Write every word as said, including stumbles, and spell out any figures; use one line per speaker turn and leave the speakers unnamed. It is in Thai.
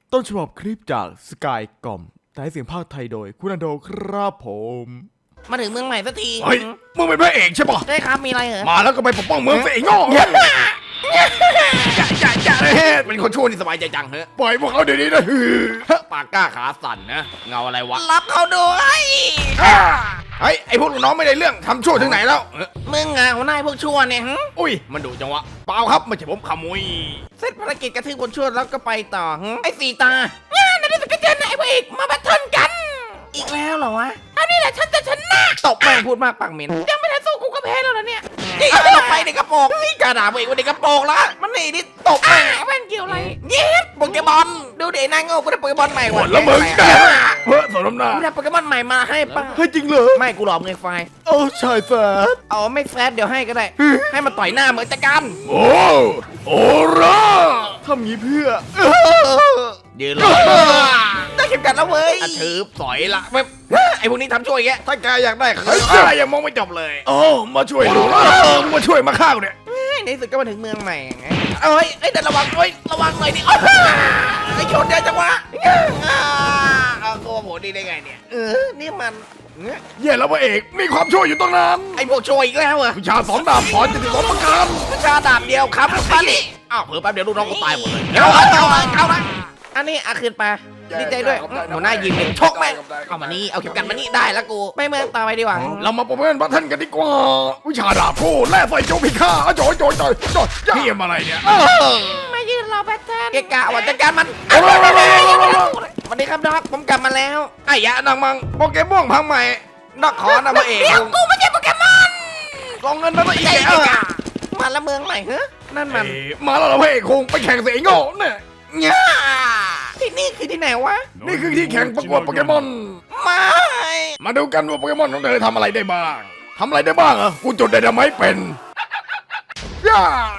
ต้นฉบับคลิปจากสกายกล่อมแต่ให้เสียงภาคไทยโดยคุณอันโดครับผม
มาถึงเมืองใหม่สักที
เฮ้ยมึงเป็นพระเอกใช่ปะ
ใช่ครับมีอะไรเหรอ
มาแล้วก็ไปปกป้องเมืองสิไอ้โง่จ่าจ่าจ่าเป็นคนชั่วนี่สบายใจจังเฮ้ปล่อยพวกเขาเดี๋ยวนี้นะฮือปากกล้าขาสั่นนะเงาอะไรวะ
รับเขาด้วย
เฮ้ยไอพวกลูกน้องไม่ได้เรื่องทำชั่วถึงไหนแล้ว
มึงอ่ะหัวหน้าพวกชั่วเนี่ย
อุ้ยมันดุจังวะเปล่าครับไม่ใช่ผมขโมย
เสร็จภารกิจกระทืบคนชั่วแล้วก็ไปต่อไอ้สีตาเนี่ยนั่นนี่สกัดเจนไอ้พวกอีกมาแบทเทิลกันอีกแล้วเหรอวะอันนี้แหละฉันจะชนะตบแม่งพูดมากปากเหม็นยังไม่ทันสู้กูก็แพ้แล้วนะเนี่ยนี่ตบไปในกระโปรงนี่กระดาษเองว่าในกระโปรงละมันนี่นี่ตบแม่งแม่งเกี่ยวอะไรเย็ดโปเกมอนดูเด็กนางโง่กูได้โปเกมอนใหม่ว่ะ
แล้วมึงเฮ้ยสมน้ำหน้า
กูได้โปเกมอนใหม่มาให้ป่ะ
ให้จริงเหรอ
ไม่กูหลอกเงินไฟ
โอ้ชายแฟด
เอาไม่แฟดเดี๋ยวให้ก็ได้ให้มันต่อยหน้าเหมือนจักร
โอ้โอ้ร่า
ทำงี้เพื่อ
ยืนรอ
ได้เข็มกัดแล้วเว้ย
ถือสอยละ
ไอ้พวกนี้ทำช่วยแก
ถ้าแกอยากได้ใครยังมองไม่จบเลยโอ้มาช่วยดูมาช่วยมาข้าวเนี่ย
ในสุดก็มาถึงเมืองใหม่ไงเอ้ยไอ้เดินระวังเอ้ยระวังหน่อยดิไอ้ชนเดียวจังวะเอาโกโหดีได้ไงเนี่ยเออนี่มัน
เย่แล้วพระเอกมีความช่วยอยู่ตรงนั้น
ไอ้พวกช่วยอีกแล้วเหรอ
วิชาสองดาบขอจะติดสองประการ
วิชาดาบเดียวครับไปดิ
อ้าวเผื่อแป๊บเดียวลูกน้องก็ตายหมดเลย
เอาเอาเอาเอาละอันนี้อาคืนไปดีใจด้วยหัวหน้ายิงชกแม่เอามานี่เอาเข็มกัดมานี่ได้แล้วกูไม่เมื่อต่อไปดีกว่า
เรามาประเมินบัตทันกันดีกว่าวิชาดาบคู่แล่ไฟโจพิฆาตโจยโจยโจยโจยเฮียอะไรเนี่ย
มายืนรอแบทเทิลเกะกะว่าจัดการมันวันนี้ครับด็อกผมกลับมาแล้ว
ไอ้ยะนางมังโปเกมอนพังใหม่นักขอนำมาเอง
เดี๋ยวกูไม่ใช่โปเกมอน
ลองเงินมาตัวอีกแก
มาละเมืองใหม่เฮ้นั่นมัน
มาแล้วเราเพ่คงไปแข่งเสียงโง่เนี่ย
เนี่ยที่นี่คือที่ไหนวะ
นี่คือที่แข่งประกวดโปเกมอน
ไม่
มาดูกันว่าโปเกมอนของเธอทำอะไรได้บ้างทำอะไรได้บ้างอ่ะกูจดได้ทำไมเป็นย่า